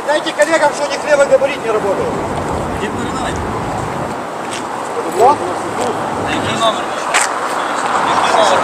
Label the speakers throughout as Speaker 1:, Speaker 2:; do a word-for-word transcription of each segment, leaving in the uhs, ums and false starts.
Speaker 1: Передайте коллегам, что они хлеба габарит не работают.
Speaker 2: Не передайте.
Speaker 1: Что?
Speaker 2: Який номер? Який номер?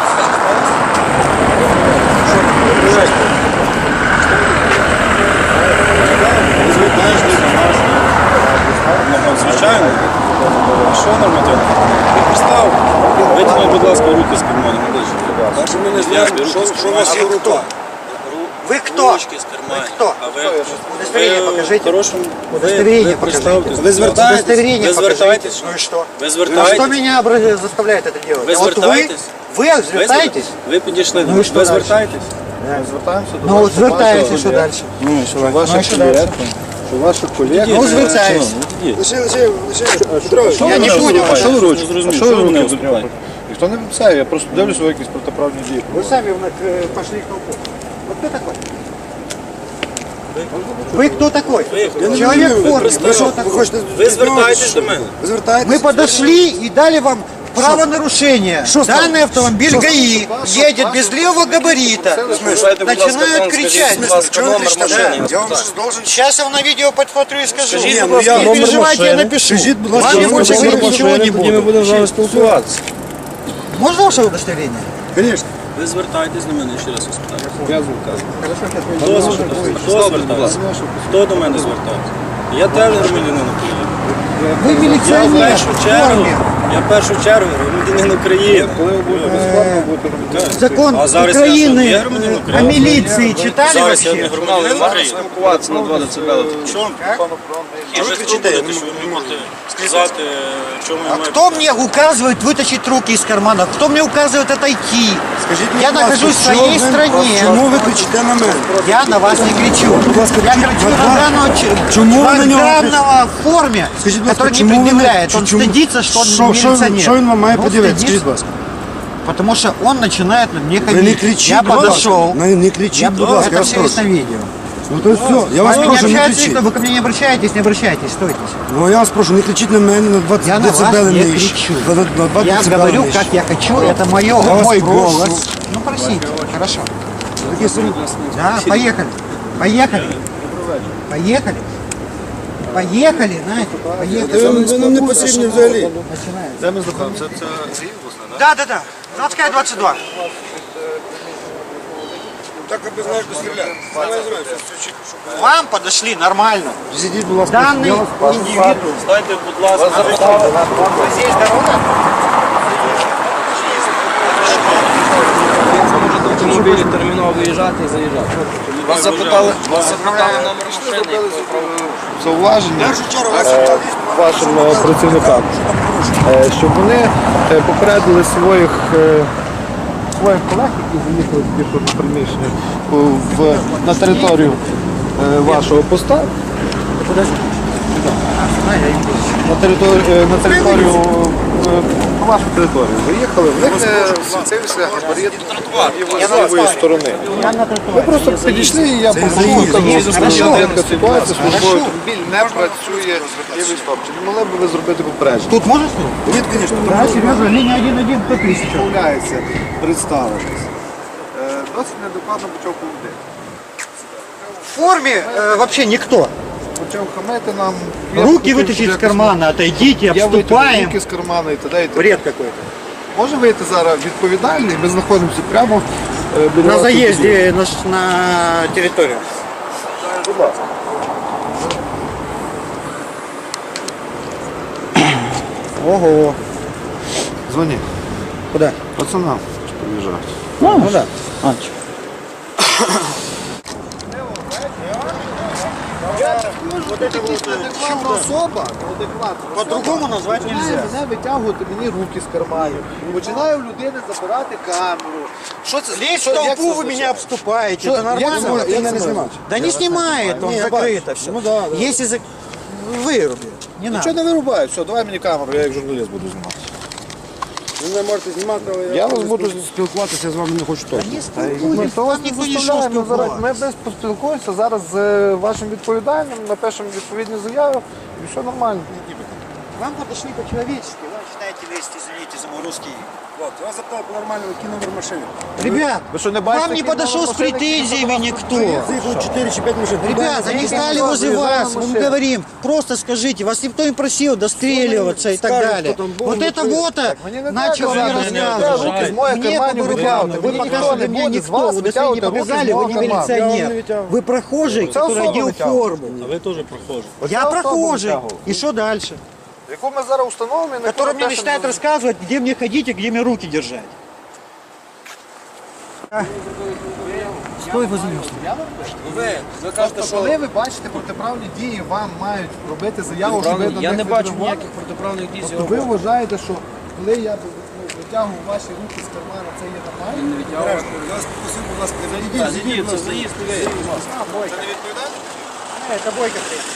Speaker 2: Звичайно. А що нормативно? Представ. Витягніть, будь ласка, руки з карманів.
Speaker 3: Перше ми не знаємо, що у вас є в руках.
Speaker 1: Вы кто?
Speaker 2: Ручки з карманів.
Speaker 1: Ви хто?
Speaker 2: А ви?
Speaker 1: Удостоверение покажите.
Speaker 2: Хорошому.
Speaker 1: Удостоверение
Speaker 2: Ви
Speaker 1: покажите.
Speaker 2: представтесь.
Speaker 3: Ви звертаєтесь?
Speaker 1: Удостоверение
Speaker 2: Ви
Speaker 1: покажите.
Speaker 2: звертаєтесь?
Speaker 1: Ну и что?
Speaker 2: Ви
Speaker 1: А
Speaker 2: звертаєтесь?
Speaker 1: что меня обра- заставляет это делать?
Speaker 2: Ви
Speaker 1: А вот вы,
Speaker 2: звертаєтесь?
Speaker 1: вы звертаетесь?
Speaker 2: Ви підійшли до
Speaker 1: Ну і
Speaker 2: мене.
Speaker 1: що
Speaker 2: Ви
Speaker 1: дальше?
Speaker 2: звертаєтесь?
Speaker 3: Звертаємося до
Speaker 1: Ну вот звертаетесь, что дальше?
Speaker 3: Ну, що
Speaker 1: Ну,
Speaker 3: ваша
Speaker 1: і що дальше?
Speaker 3: колега, що ваша колега.
Speaker 1: Ну, звертаюсь.
Speaker 3: Лише, лише, лише, Петрович,
Speaker 1: Я не понял,
Speaker 3: а що ви робите?
Speaker 2: зрозумів,
Speaker 3: А
Speaker 2: що
Speaker 3: що
Speaker 2: ви
Speaker 3: ви
Speaker 2: мене
Speaker 3: робите?
Speaker 2: зупиняєте?
Speaker 3: Ніхто не виписає, я просто дивлюся, ви якісь протиправні дії.
Speaker 1: Вы сами вновь, э, пошли к толпу. Вот кто такой? Вы кто такой?
Speaker 2: Вы-
Speaker 1: Человек в форме.
Speaker 2: представь,
Speaker 1: Вы кто
Speaker 2: вы
Speaker 1: такой?
Speaker 2: Ви звертаєтесь до мене.
Speaker 3: Ви звертаєтесь?
Speaker 1: Мы подошли и дали вам правонарушение. Данный автомобиль ГАИ едет без левого габарита. Начинают кричать.
Speaker 2: номер машини.
Speaker 3: Я вам щось должен...
Speaker 1: Сейчас я вам на видео подсмотрю и скажу.
Speaker 2: Скажіть,
Speaker 1: Не
Speaker 2: будь ласка, номер
Speaker 1: переживайте, я
Speaker 2: машини.
Speaker 1: напишу.
Speaker 3: Скажіть, будь ласка,
Speaker 1: Вам я
Speaker 3: номер
Speaker 1: больше
Speaker 3: машини.
Speaker 1: говорить ничего не
Speaker 2: Тоді ми
Speaker 1: буду.
Speaker 2: будемо з вами спілкуватися.
Speaker 1: Можно ваше удостоверение?
Speaker 3: Звісно.
Speaker 2: Ви звертаєтесь до мене, ще раз вас питаю.
Speaker 3: Я звертаюся.
Speaker 2: Хто звертається? Хто звертається? Хто до мене звертається? Я теж громадянин України.
Speaker 1: Вы
Speaker 2: Я в
Speaker 1: милиционер
Speaker 2: першу
Speaker 1: в
Speaker 2: чергу,
Speaker 1: форме.
Speaker 2: я в першу чергу громадянин України.
Speaker 3: Коли ви будете безплатно, будете робити.
Speaker 1: Закон
Speaker 2: А зараз я що, є
Speaker 1: Украины
Speaker 2: громадянин
Speaker 1: э,
Speaker 2: України?
Speaker 1: о милиции читали
Speaker 2: Зараз я не
Speaker 1: вообще?
Speaker 2: громадянин України.
Speaker 3: Спілкуватися на два децибели.
Speaker 2: Чому?
Speaker 3: Що ви кричите?
Speaker 2: Що ви мені можете сказати, чому я
Speaker 1: А
Speaker 2: маю...
Speaker 1: кто мне указывает вытащить руки из кармана? Кто мне указывает отойти?
Speaker 3: Скажіть,
Speaker 1: Я
Speaker 3: будь ласка,
Speaker 1: нахожусь в
Speaker 3: що
Speaker 1: своей
Speaker 3: ви-
Speaker 1: стране.
Speaker 3: Чому ви кричите на мене?
Speaker 1: Я на вас не кричу.
Speaker 3: ласка,
Speaker 1: Я
Speaker 3: кричіть,
Speaker 1: кричу
Speaker 3: будь
Speaker 1: на
Speaker 3: ласка.
Speaker 1: данного, ч-
Speaker 3: Чому ви на нього
Speaker 1: данного в форме,
Speaker 3: Скажіть, будь ласка,
Speaker 1: который не
Speaker 3: чому ви-
Speaker 1: предъявляет. Он
Speaker 3: чому-
Speaker 1: стыдится, что он
Speaker 3: Що- що він-
Speaker 1: милиционер.
Speaker 3: Що він вам має
Speaker 1: Ну,
Speaker 3: подивитися?
Speaker 1: стыдится,
Speaker 3: Скажіть, будь ласка.
Speaker 1: Потому что он начинает на мне
Speaker 3: Ви
Speaker 1: ходить.
Speaker 3: не кричіть,
Speaker 1: Я
Speaker 3: будь ласка.
Speaker 1: подошел.
Speaker 3: Не, не кричіть,
Speaker 1: Я
Speaker 3: будь
Speaker 1: буду,
Speaker 3: ласка, я
Speaker 1: это
Speaker 3: вас
Speaker 1: все есть на
Speaker 3: прошу.
Speaker 1: видео.
Speaker 3: Ну то все, я вас
Speaker 1: Вы
Speaker 3: прошу, не
Speaker 1: общаетесь,
Speaker 3: кричіть.
Speaker 1: вы ко мне не обращаетесь, не обращайтесь, стойте.
Speaker 3: Ну я вас прошу, не кричіть на мене на двадцять
Speaker 1: Я на вас
Speaker 3: децибели
Speaker 1: не
Speaker 3: нижче.
Speaker 1: кричу.
Speaker 3: На- на двадцять
Speaker 1: Я
Speaker 3: децибели
Speaker 1: говорю,
Speaker 3: нижче.
Speaker 1: как я хочу, это мое,
Speaker 3: вас
Speaker 1: мой
Speaker 3: прошу.
Speaker 1: голос. Ну, просите, хорошо.
Speaker 3: Такі самі-
Speaker 1: Да, поехали. Поехали. Поехали. Поехали, знаете, поехали.
Speaker 3: Ви ви нам не потрібні взагалі.
Speaker 1: Начинается.
Speaker 3: Де ми знаходимося?
Speaker 1: Да, да, да. Заводская двадцать два.
Speaker 3: Так аби знаєш, де стріляти.
Speaker 1: Вам подошли нормально.
Speaker 3: Зійдіть, будь ласка.
Speaker 1: Данный
Speaker 3: я вас прошу.
Speaker 1: индивиду.
Speaker 2: Стайте, будь ласка,
Speaker 1: Здесь дорога.
Speaker 4: Автомобілі терміново виїжджати і заїжджати.
Speaker 2: вас запитали, вас запитали номер машини.
Speaker 3: Зауваження е, вашим е, працівникам, е, щоб вони е, попередили своїх е, своїх колег, які заїхали тільки що до приміщення у- в, на територію е, вашого поста, на територію, е, на територію е, на вашу територію виїхали, в них е, світився габарит лівої сторони. Ви просто підійшли і я попрошу,
Speaker 1: Хорошо.
Speaker 3: така ситуація, службовий автомобіль не працює лівий стоп. Чи не могли б ви зробити попередження?
Speaker 1: Тут можно что ли?
Speaker 3: Ні, звісно,
Speaker 1: Да, серьезно, линия один один по тысячу.
Speaker 3: відмовляється представитись. Е, Досить неадекватно почав поводити.
Speaker 1: В форме э, вообще никто.
Speaker 3: Почав хамити нам.
Speaker 1: Руки вытащить из кармана, отойдите,
Speaker 3: Я витягнув
Speaker 1: обступаем.
Speaker 3: руки з кармана і т.д. і т.п.
Speaker 1: Бред какой-то.
Speaker 3: Може вийти зараз відповідальний, ми знаходимося прямо е, біля
Speaker 1: На
Speaker 3: вас тут.
Speaker 1: заезде на, ш- на территорию.
Speaker 3: Будь ласка.
Speaker 1: Ого.
Speaker 3: Дзвони.
Speaker 1: Куда?
Speaker 3: Пацанам, що приїжджають.
Speaker 1: Ну, да. Анч. Вот это вот чудо.
Speaker 3: Особа, неадекватна.
Speaker 1: По-другому назвать нельзя.
Speaker 3: Мене витягувати мені руки з карманів. Починаю в людини забирати камеру. Що це?
Speaker 1: Лезть
Speaker 3: Що-
Speaker 1: в
Speaker 3: як
Speaker 1: толпу
Speaker 3: це
Speaker 1: вы
Speaker 3: звучить?
Speaker 1: меня обступаете.
Speaker 3: Что-
Speaker 1: Это
Speaker 3: як
Speaker 1: нормально?
Speaker 3: це може- як це може?
Speaker 1: Да не снимает, он
Speaker 3: Не, я
Speaker 1: закрыто
Speaker 3: бачу.
Speaker 1: все.
Speaker 3: Ну да, да.
Speaker 1: Если за... выруби, не
Speaker 3: Нічого
Speaker 1: надо.
Speaker 3: не вирубаю, все, давай мені камеру, я як журналіст буду знімати.
Speaker 5: Ви не можете знімати, але
Speaker 3: Я вас буду спілкуватися, я з вами не хочу точно.
Speaker 1: Не спілкуйтесь, вас ніхто не йшов
Speaker 3: Ми зараз, ми
Speaker 1: спілкуватися.
Speaker 3: десь поспілкуємося зараз з е, вашим відповідальним, напишемо відповідні заяви і все нормально.
Speaker 1: Вам подошли по-человечески, Вася. начинаете лезть, извините за мой русский.
Speaker 5: Вот, я запитав по-нормальному, який номер машини.
Speaker 1: Ребят,
Speaker 3: Вы что, не
Speaker 1: к
Speaker 3: бачите,
Speaker 1: вам не
Speaker 3: какие
Speaker 1: подошел
Speaker 3: новые
Speaker 1: с
Speaker 3: машины,
Speaker 1: претензиями никто.
Speaker 5: Заїхали чотири чи п'ять машин.
Speaker 1: Ребят, они стали возле вас, мы им говорим, просто скажите, вас никто не просил достреливаться и так
Speaker 5: Скажут,
Speaker 1: далее.
Speaker 5: кто там был,
Speaker 1: Вот
Speaker 5: ну,
Speaker 1: это
Speaker 5: ты-
Speaker 1: вот
Speaker 3: Мені не
Speaker 1: начал
Speaker 3: треба
Speaker 1: мне
Speaker 3: казати,
Speaker 1: рассказывать.
Speaker 3: руки з моїх
Speaker 1: Мне
Speaker 3: карманів
Speaker 1: по
Speaker 3: витягувати.
Speaker 1: рукам,
Speaker 3: Ви
Speaker 1: вы не
Speaker 3: ніхто
Speaker 1: кажете
Speaker 3: не
Speaker 1: мне
Speaker 3: буде з
Speaker 1: никто,
Speaker 3: вас
Speaker 1: вы даже не
Speaker 3: витягувати руки з
Speaker 1: показали,
Speaker 3: мого
Speaker 1: вы не
Speaker 3: карману.
Speaker 5: Я вам не
Speaker 1: милиционер,
Speaker 5: витягував.
Speaker 1: вы прохожий,
Speaker 3: Це
Speaker 1: который
Speaker 3: особа
Speaker 1: одел
Speaker 3: витягувала.
Speaker 1: форму.
Speaker 2: А ви теж прохожі.
Speaker 1: Я
Speaker 3: особа
Speaker 1: прохожий,
Speaker 3: витягувала.
Speaker 1: и что дальше?
Speaker 3: Яку ми зараз установимо, і на
Speaker 1: Который
Speaker 3: яку
Speaker 1: мне
Speaker 3: ми
Speaker 1: начинает
Speaker 3: пишемо.
Speaker 1: рассказывать, где мне ходить и где мне руки держать. Стой возле меня.
Speaker 4: Ви, ви кажете, що...
Speaker 3: Коли ви бачите протиправні дії, вам мають робити заяву, що ви
Speaker 4: Протиправні-
Speaker 3: до
Speaker 4: Я
Speaker 3: них
Speaker 4: не бачу
Speaker 3: відреагували?
Speaker 4: ніяких протиправних дій з
Speaker 3: Тобто
Speaker 4: його
Speaker 3: ви
Speaker 4: боку.
Speaker 3: вважаєте, що коли я ну, витягую ваші руки з кармана, це є нормально?
Speaker 5: Я вас попросив, будь ласка, не
Speaker 4: Так,
Speaker 5: зайдіть.
Speaker 4: зайдіть, це заїзд, ви, будь ласка.
Speaker 1: Э, Это Бойко приехал.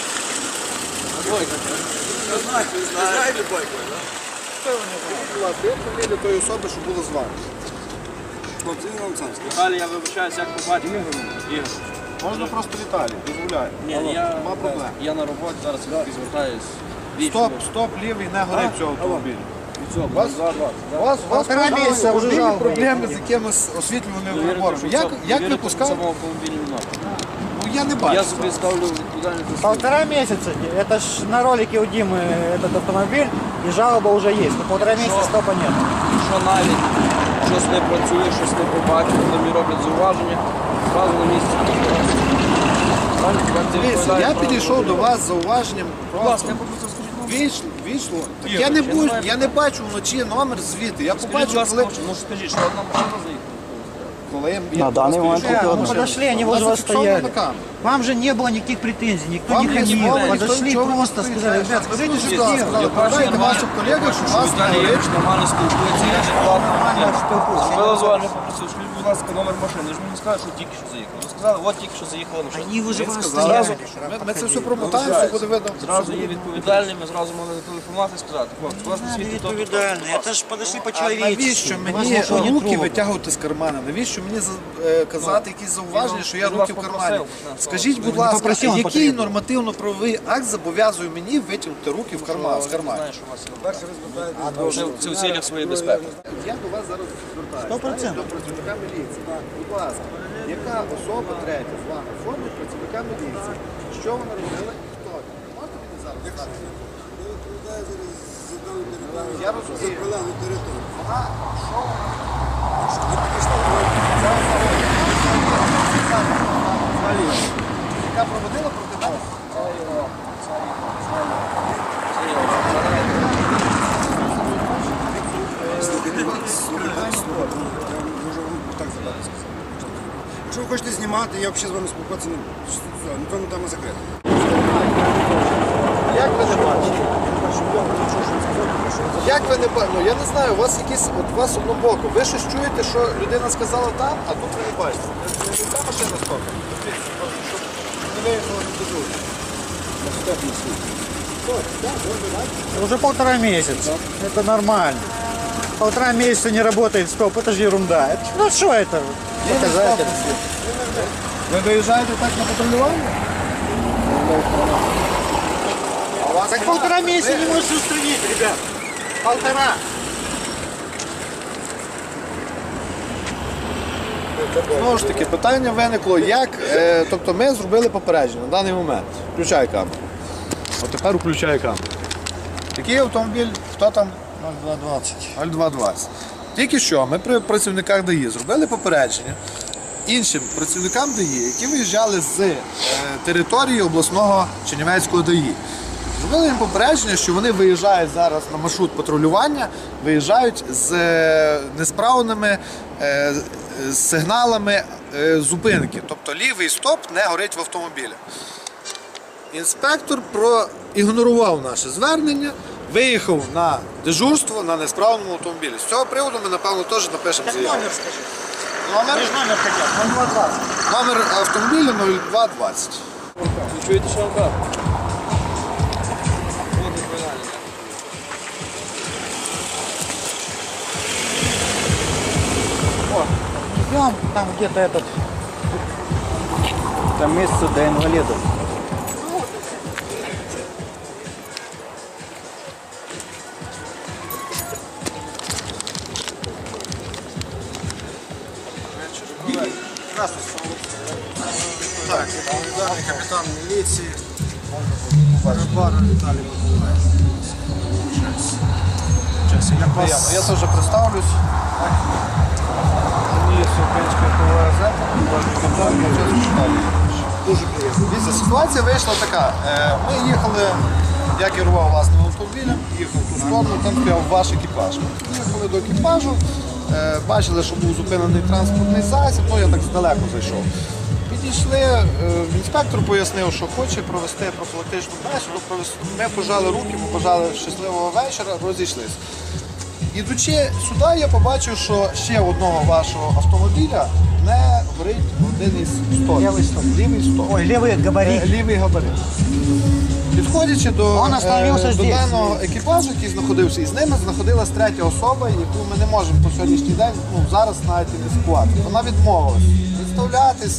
Speaker 5: Знаєте байку, так? Будь ласка, я фамілія тої особи, що було з вами. Хлопці, він Олександр.
Speaker 4: Віталій, я вибачаюсь, як побачив. Ігор.
Speaker 3: Можна просто Віталій, дозволяю.
Speaker 4: Ні, я,
Speaker 3: Нема проблем.
Speaker 4: я на роботі, зараз я звертаюсь.
Speaker 3: Стоп, стоп, лівий, не горить цього автомобіля.
Speaker 4: Від цього,
Speaker 3: У вас,
Speaker 4: два двадцять, да?
Speaker 3: у вас, у вас
Speaker 1: Полтора
Speaker 3: пожалуйста,
Speaker 1: місяця вже
Speaker 3: автомобільні
Speaker 1: жалоба.
Speaker 3: проблеми з якимось освітлюваним
Speaker 4: Довірити,
Speaker 3: прибором.
Speaker 4: що
Speaker 3: Як,
Speaker 4: це-
Speaker 3: як ви
Speaker 4: довірити, що
Speaker 3: пускаєте?
Speaker 4: в цьому автомобілі не надо.
Speaker 3: Ну я не бачу.
Speaker 4: Я собі ставлю відповідальність за свій.
Speaker 1: Полтора месяца. Это ж на ролике у Димы этот автомобиль, и жалоба уже есть. Но полтора месяца
Speaker 4: Что?
Speaker 1: стопа нет.
Speaker 4: Що навіть щось не працює, щось не побачив, коли мені роблять зауваження, одразу на місці.
Speaker 3: Дивіться, я підійшов до вас з зауваженням
Speaker 4: Будь ласка, я
Speaker 3: просто
Speaker 4: попросив, скажіть, ну,
Speaker 3: вийшло, вийшло. Так
Speaker 4: Ігор,
Speaker 3: я не
Speaker 4: я
Speaker 3: буду,
Speaker 4: не маю-
Speaker 3: я не бачу вночі номер звідти. Я
Speaker 4: скажіть, будь
Speaker 3: побачу,
Speaker 4: ласка,
Speaker 3: коли,
Speaker 4: ну скажіть, що одна машина заїхала.
Speaker 3: коли я я
Speaker 6: На даний момент
Speaker 1: Ребят,
Speaker 6: тільки
Speaker 1: ну
Speaker 6: одна.
Speaker 1: подошли, они
Speaker 3: У вас
Speaker 1: возле вас
Speaker 3: зафиксовано
Speaker 1: стояли.
Speaker 3: на камеру.
Speaker 1: Вам же не было никаких претензий, никто
Speaker 3: Вам
Speaker 1: не
Speaker 3: не
Speaker 1: хамил.
Speaker 3: звонили, никто
Speaker 1: Подошли
Speaker 3: ничего не
Speaker 1: просто
Speaker 3: говорит.
Speaker 1: сказали, ребят, скажите,
Speaker 3: Скажите,
Speaker 1: что
Speaker 3: что
Speaker 1: делать.
Speaker 3: сказали.
Speaker 4: Я
Speaker 3: Передайте
Speaker 4: бачу,
Speaker 3: вашим колегам, що вас не
Speaker 4: Віталій
Speaker 3: горить.
Speaker 4: Євич нормально спілкується, я адекватно.
Speaker 1: Нормально спілкуюся.
Speaker 4: Зробила зауваження, попросив, скажіть, будь ласка, номер машини. Ви ж мені сказали, що тільки що заїхали. Ви сказали, от тільки що заїхала машина.
Speaker 1: Они возле вас
Speaker 3: Зразу,
Speaker 1: стояли.
Speaker 3: ми, ми це все промотаємо, все буде видно.
Speaker 4: Зразу є відповідальні, ми зразу могли зателефонувати і сказати, хлопці, у вас на світі то, то, то.
Speaker 1: Відповідальні. Это ж подошли
Speaker 3: А
Speaker 1: по-человечески.
Speaker 3: навіщо
Speaker 1: Вас
Speaker 3: мені
Speaker 1: нічого не
Speaker 3: руки
Speaker 1: трогало.
Speaker 3: витягувати з кармана? Навіщо мені за- е, казати якісь зауваження, що я
Speaker 4: він
Speaker 3: руки в
Speaker 4: вас
Speaker 3: кармані?
Speaker 4: попросив.
Speaker 3: Скажіть, будь
Speaker 1: не
Speaker 3: ласка,
Speaker 1: попросив, він
Speaker 3: який
Speaker 1: потрібен.
Speaker 3: нормативно-правовий акт зобов'язує мені витягнути руки в карман з
Speaker 4: Я
Speaker 3: кармана?
Speaker 4: знаю, що у вас є. Це, це в цілях своєї безпеки.
Speaker 3: Я до вас зараз звертаюся.
Speaker 1: Сто процентів.
Speaker 3: До працівника міліції. Будь ласка, яка особа третя з вами в формі працівника міліції? Що вона робила і хто? Можете мені зараз сказати? Я розумію. Вона, що вона? Яка проводила проти мене?
Speaker 5: Якщо ви хочете знімати, я взагалі з вами спілкуватися не буду. Все, на тому тема закрита.
Speaker 3: Як ви не бачите? Як ви не бачите? Ну я не знаю, у вас якісь, от у вас однобоко. Ви щось чуєте, що людина сказала там, а тут ви не бачите. Не не та машина стока. Не виїхала не дозує.
Speaker 1: Уже полтора месяца. Это нормально. Полтора месяца не работает стоп, это же ерунда. Это- ну что это? Показатель.
Speaker 3: Ви виїжджаєте так на патрулювання?
Speaker 1: Так полтора месяца не можешь устранить, ребят. Полтора.
Speaker 3: Знову ж таки, питання виникло, як, е, тобто ми зробили попередження на даний момент. Включай камеру. От тепер включай камеру. Який автомобіль, хто там?
Speaker 1: ноль два двадцать.
Speaker 3: ноль два двадцять. Тільки що ми при працівниках ДАІ зробили попередження іншим працівникам ДАІ, які виїжджали з е, території обласного Чернівецького ДАІ. Зробили їм попередження, що вони виїжджають зараз на маршрут патрулювання, виїжджають з е, несправними е, з сигналами е, зупинки. Тобто лівий стоп не горить в автомобілі. Інспектор проігнорував наше звернення, виїхав на дежурство на несправному автомобілі. З цього приводу ми, напевно, теж напишемо
Speaker 1: Так
Speaker 3: заяву.
Speaker 1: номер скажи.
Speaker 3: Номер,
Speaker 1: Ты же номер хотел. ноль два двадцать.
Speaker 3: номер автомобіля нуль два двадцять.
Speaker 4: Ви чуєте, що я вам кажу? От відповідальність.
Speaker 1: Идем, там где-то этот.
Speaker 6: Там место для инвалидов.
Speaker 5: капітан міліції. Барбара Віталій Миколаївич.
Speaker 3: Приємно. Я теж представлюсь. Мені є українська газета,
Speaker 5: Дуже приємно.
Speaker 3: Дивіться, ситуація вийшла така. Е, Ми їхали, я керував власним автомобілем, їхав в ту сторону, там стояв ваш екіпаж. Ми їхали до екіпажу, е, бачили, що був зупинений транспортний засіб, ну я так здалеку зайшов. Підійшли, е, інспектор пояснив, що хоче провести профілактичну бесіду. провести- Ми пожали руки, ми пожали щасливого вечора, розійшлися. Ідучи сюди, я побачив, що ще одного вашого автомобіля не горить один із столів.
Speaker 1: Лівий столб.
Speaker 3: Лівий столб.
Speaker 1: Ой, левый габарит.
Speaker 3: Е, Лівий габарит. Підходячи до,
Speaker 1: Он остановився
Speaker 3: е, до
Speaker 1: здесь.
Speaker 3: даного екіпажу, який знаходився, і з ними знаходилась третя особа, яку ми не можемо по сьогоднішній день, ну зараз навіть ідентифікувати. Вона відмовилась представлятись.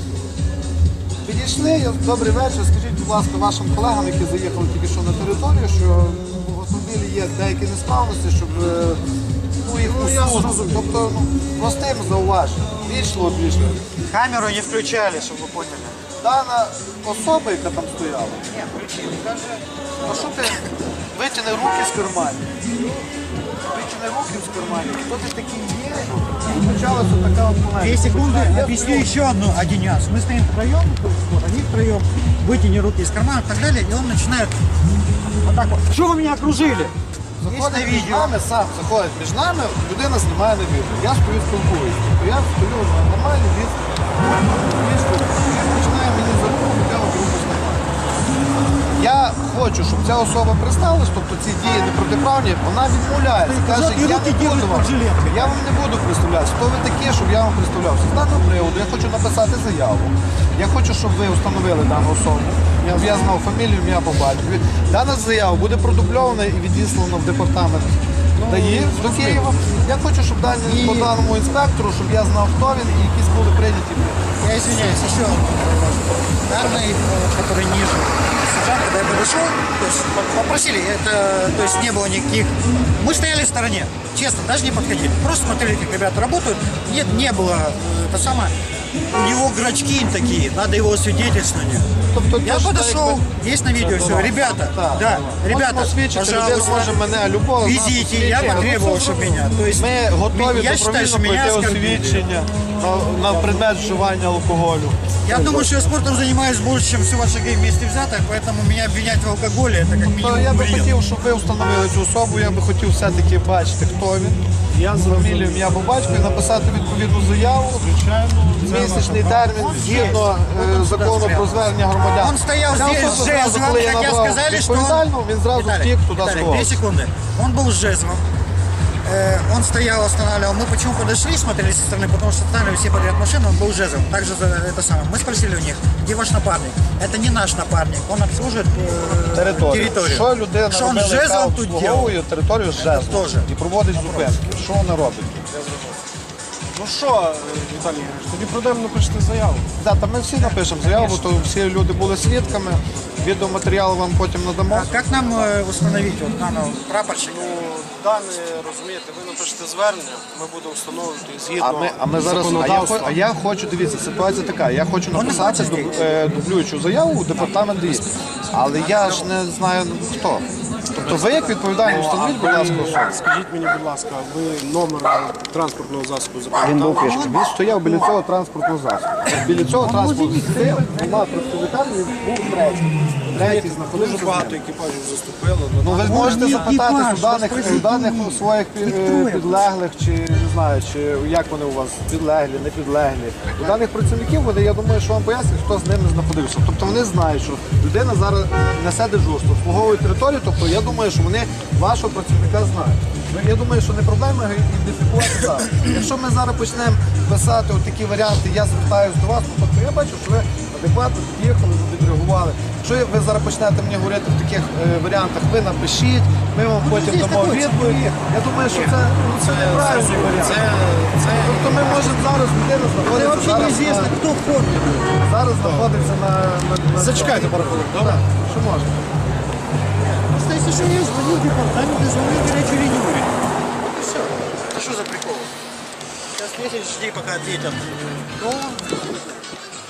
Speaker 3: Підійшли, я- добрий вечір. Скажіть, будь ласка, вашим колегам, які заїхали тільки що на територію, що в автомобілі є деякі несправності, щоб е, ну, їх усунути. Тобто ну, простим зауваженням. Війшло, війшло.
Speaker 1: Камеру не включали, чтобы вы поняли.
Speaker 3: Дана особа, яка там стояла, каже, а що ти витягни руки з карманів? Витягни руки з карманів. Хто ти такий є? І почалася така от полеміка.
Speaker 1: Две секунды,
Speaker 3: Я
Speaker 1: объясню
Speaker 3: стою,
Speaker 1: еще одну, один нюанс. Мы стоим втроем, вот, они втроем, вытяни руки из кармана и так далее, и он начинает вот так вот. Что вы меня окружили? Есть на
Speaker 3: заходить між
Speaker 1: видео.
Speaker 3: нами, сам заходить між нами, людина знімає на відео. Я стою спілкуюся. Тобто я стою на нормальній відстані. Він стоїть. Він починає мені за руку, я от руку знімаю. Я хочу, щоб ця особа представилась, тобто ці дії непротиправні, вона відмовляється. Каже,
Speaker 1: і
Speaker 3: я
Speaker 1: руки
Speaker 3: не буду
Speaker 1: ділять
Speaker 3: вам,
Speaker 1: під жилеткою.
Speaker 3: я вам не буду представлятися. Хто ви такі, щоб я вам представлявся? З даного приводу я хочу написати заяву. Я хочу, щоб ви встановили дану особу. Я, я знав фамілію, ім'я по батькові. Дана заява буде продубльована і відіслана в департамент ДАІ до Києва. Я хочу, щоб дані, по даному інспектору, щоб я знав, хто він і якісь були прийняті.
Speaker 1: Я извиняюсь, еще данный, э, который ниже, сержант, когда я подошел, то есть попросили, это, то есть не было никаких, мы стояли в стороне, честно, даже не подходили, просто смотрели, как ребята работают, нет, не было, э, это самое, у него грачки такие, надо его освидетельствование.
Speaker 3: Тобто,
Speaker 1: Я
Speaker 3: то, що
Speaker 1: подошел,
Speaker 3: якби-
Speaker 1: есть на видео все, ребята,
Speaker 3: Так,
Speaker 1: да, ребята,
Speaker 3: можемо свідчити, людина
Speaker 1: пожалуйста,
Speaker 3: може мене любого
Speaker 1: везите, я потребовал, чтобы меня, то есть
Speaker 3: Ми готові
Speaker 1: я считаю, что
Speaker 3: добровільно
Speaker 1: меня
Speaker 3: пройти
Speaker 1: оскорбили.
Speaker 3: освідчення на, на предмет вживання алкоголю.
Speaker 1: Я думаю, что я спортом занимаюсь больше, чем все ваши гей вместе взятых, поэтому меня обвинять в алкоголе, это как
Speaker 3: То
Speaker 1: минимум
Speaker 3: я би
Speaker 1: бред.
Speaker 3: хотів, щоб ви встановили цю особу, я би хотів все-таки бачити, хто він. Я з фамілією, ім'я по батькові, написати відповідну заяву. Місячний термін згідно е, закону про звернення громадян.
Speaker 1: Он стоял
Speaker 3: Ця
Speaker 1: здесь
Speaker 3: особа
Speaker 1: с
Speaker 3: зразу,
Speaker 1: жезлом,
Speaker 3: коли я
Speaker 1: хотя
Speaker 3: набрав
Speaker 1: сказали, что он...
Speaker 3: відповідального, він зразу
Speaker 1: Виталик,
Speaker 3: втік туди
Speaker 1: Виталик,
Speaker 3: сховався.
Speaker 1: две секунды. Он был с жезлом. Э, Он стоял, останавливал. Мы почему подошли, смотрели со стороны, потому что останавливали все подряд машины, он был с жезлом. Также за это самое. Мы спросили у них, где ваш напарник? Это не наш напарник, он обслуживает э,
Speaker 3: Територію.
Speaker 1: территорию.
Speaker 3: Що людина
Speaker 1: Что он с
Speaker 3: робила, яка
Speaker 1: жезлом тут делал?
Speaker 3: обслуговує територію з жезлом
Speaker 1: теж.
Speaker 3: і проводить зупинки. Що вона робить?
Speaker 2: Ну що, Віталій Ігорович, тоді пройдемо напишете заяву.
Speaker 3: Да, та ми всі напишемо заяву, то всі люди були свідками. Відеоматеріал вам потім надамо.
Speaker 1: А как нам э, установить вот данного прапорщика?
Speaker 2: Ну, дане, розумієте, ви напишете звернення, ми будемо встановлювати згідно
Speaker 3: А ми, а ми зараз, а я,
Speaker 2: законодавства.
Speaker 3: хо- а я хочу, дивіться, ситуація така, я хочу написати
Speaker 1: хоче
Speaker 3: дуб- е, дублюючу заяву у департамент ДІС, але я ж не знаю хто. Тобто ви як відповідальні встановіть, будь ласка, особу.
Speaker 2: Скажіть мені, будь ласка, ви номер транспортного засобу запам'ятали?
Speaker 3: Він стояв біля цього транспортного засобу. Біля цього транспортного засобу двома представниками був третій. Третій знаходився
Speaker 2: Дуже
Speaker 3: з
Speaker 2: багато
Speaker 3: ним.
Speaker 2: екіпажів заступило.
Speaker 3: Ну ви можете запитати
Speaker 1: екіпаж,
Speaker 3: у даних,
Speaker 1: розкажіть
Speaker 3: у даних
Speaker 1: мені.
Speaker 3: у своїх пі- е, підлеглих, чи не знаю, чи як вони у вас підлеглі, не підлеглі. У даних працівників вони, я думаю, що вам пояснять, хто з ними знаходився. Тобто вони знають, що людина зараз несе дежурство, обслуговує територію, тобто я думаю, що вони вашого працівника знають. Ну, я думаю, що не проблема ідентифікувати зараз. Якщо ми зараз почнемо писати от такі варіанти, я звертаюся до вас, ну, тобто я бачу, що ви адекватно під'їхали, ви відреагували. Якщо ви зараз почнете мені говорити в таких е, варіантах, ви напишіть, ми вам потім
Speaker 1: здесь
Speaker 3: дамо
Speaker 1: такой
Speaker 3: відповідь. Я думаю, що це, ну, це неправильний варіант. Тобто ми можемо зараз, людина
Speaker 1: Это
Speaker 3: знаходиться
Speaker 1: вообще
Speaker 3: зараз,
Speaker 1: неизвестно,
Speaker 3: на,
Speaker 1: кто в форме.
Speaker 3: зараз знаходиться на... на, на
Speaker 2: Зачекайте пару хвилин, добре?
Speaker 3: Що можна?
Speaker 1: Просто если что, я звоню в департамент и звоню в горячую линию. говорю. Вот и все. Это что за прикол? Сейчас месяц жди, пока ответят. Ну,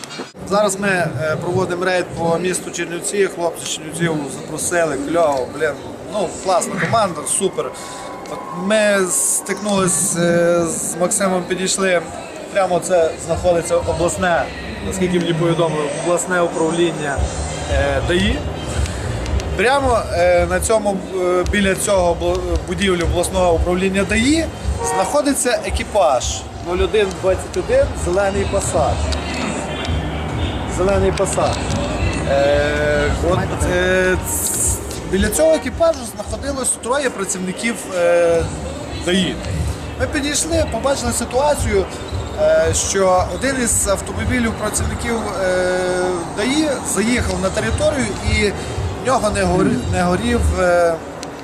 Speaker 3: Зараз ми е, проводимо рейд по місту Чернівці. Хлопці з Чернівців запросили, кльово, блін, ну класна команда, супер. От ми стикнулися е, з Максимом, підійшли. Прямо це знаходиться обласне, наскільки мені повідомили, обласне управління е, ДАІ. Прямо е, на цьому, е, біля цього бу- будівлі обласного управління ДАІ знаходиться екіпаж нуль один двадцять один зелений Passat. Зелений Passat. Е, от, е, ц- біля цього екіпажу знаходилось троє працівників е, ДАІ. Ми підійшли, побачили ситуацію, е, що один із автомобілів працівників е, ДАІ заїхав на територію і в нього не горів, не горів е, е,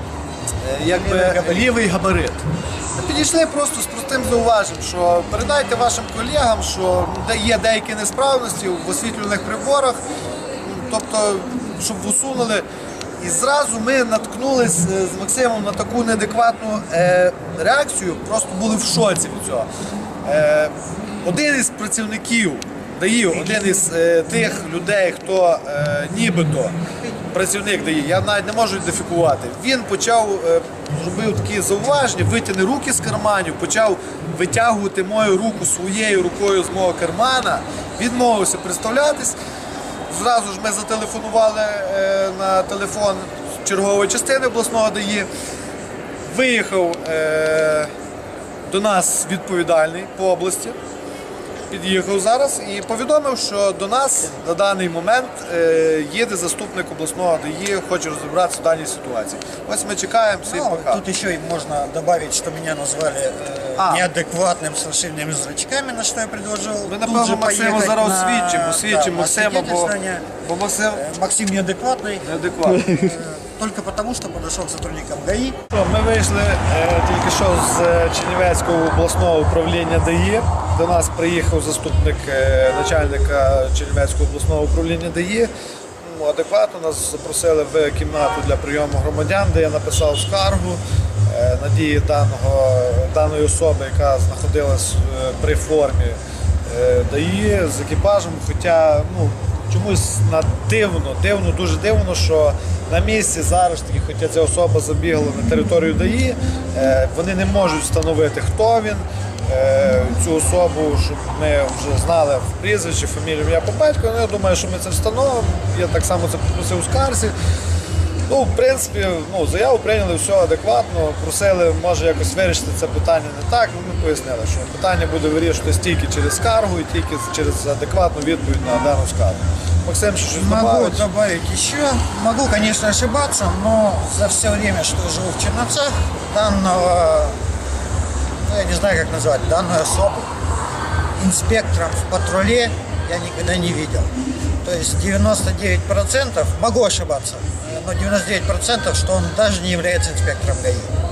Speaker 3: якби, лівий габарит. Ми підійшли просто з простим зауваженням, що передайте вашим колегам, що де є деякі несправності в освітлювальних приборах, тобто, щоб усунули. І зразу ми наткнулись е, з Максимом на таку неадекватну е, реакцію, просто були в шоці від цього. Е, один із працівників ДАІ, один із е, тих людей, хто е, нібито працівник ДАІ, я навіть не можу ідентифікувати, він почав, е, робив такі зауваження, витягни руки з карманів, почав витягувати мою руку своєю рукою з мого кармана, відмовився представлятись. Зразу ж ми зателефонували е, на телефон чергової частини обласного ДАІ. Виїхав е, до нас відповідальний по області, під'їхав зараз і повідомив, що до нас на даний момент е, їде заступник обласного ДАІ, хоче розібратися в даній ситуації. Ось ми чекаємо, всім
Speaker 1: Ну,
Speaker 3: пока.
Speaker 1: тут еще и можно добавить, что меня назвали э,
Speaker 3: А.
Speaker 1: неадекватным с расширенными зрачками, на что я предложил.
Speaker 3: Ми,
Speaker 1: тут
Speaker 3: напевно,
Speaker 1: же
Speaker 3: Максима
Speaker 1: поехать
Speaker 3: зараз
Speaker 1: на-
Speaker 3: освідчимо,
Speaker 1: да,
Speaker 3: освідчимо
Speaker 1: на
Speaker 3: Максима, бо,
Speaker 1: свидетельствование.
Speaker 3: бо Максим
Speaker 1: Э, Максим неадекватный,
Speaker 3: неадекватний.
Speaker 1: э, только потому, что подошел к сотрудникам ГАИ.
Speaker 3: Що, Ми вийшли е, тільки що з е, Чернівецького обласного управління ДАІ. До нас приїхав заступник е, начальника Чернівецького обласного управління ДАІ. Ну, адекватно нас запросили в кімнату для прийому громадян, де я написав скаргу е, на дії даного, даної особи, яка знаходилась е, при формі е, ДАІ з екіпажем. Хоча ну, чомусь на дивно, дивно, дуже дивно, що на місці зараз таки, хоча ця особа забігла на територію ДАІ, е, вони не можуть встановити, хто він, е, цю особу, щоб ми вже знали в прізвище, фамілію, ім'я по батьку. Ну, я думаю, що ми це встановимо. Я так само це попросив у скарзі. Ну, в принципі, ну, заяву прийняли, все адекватно, просили, може, якось вирішити це питання не так. Ну, ми пояснили, що питання буде вирішуватись тільки через скаргу і тільки через адекватну відповідь на дану скаргу. Максим, що щось
Speaker 1: Могу
Speaker 3: добавить?
Speaker 1: добавить еще. Могу, конечно, ошибаться, но за все время, что живу в Черновцах, данного, ну, я не знаю, как назвать, данную особу инспектором в патруле я никогда не видел. То есть девяносто девять процентов, могу ошибаться, но девяносто девять процентов, что он даже не является инспектором ГАИ.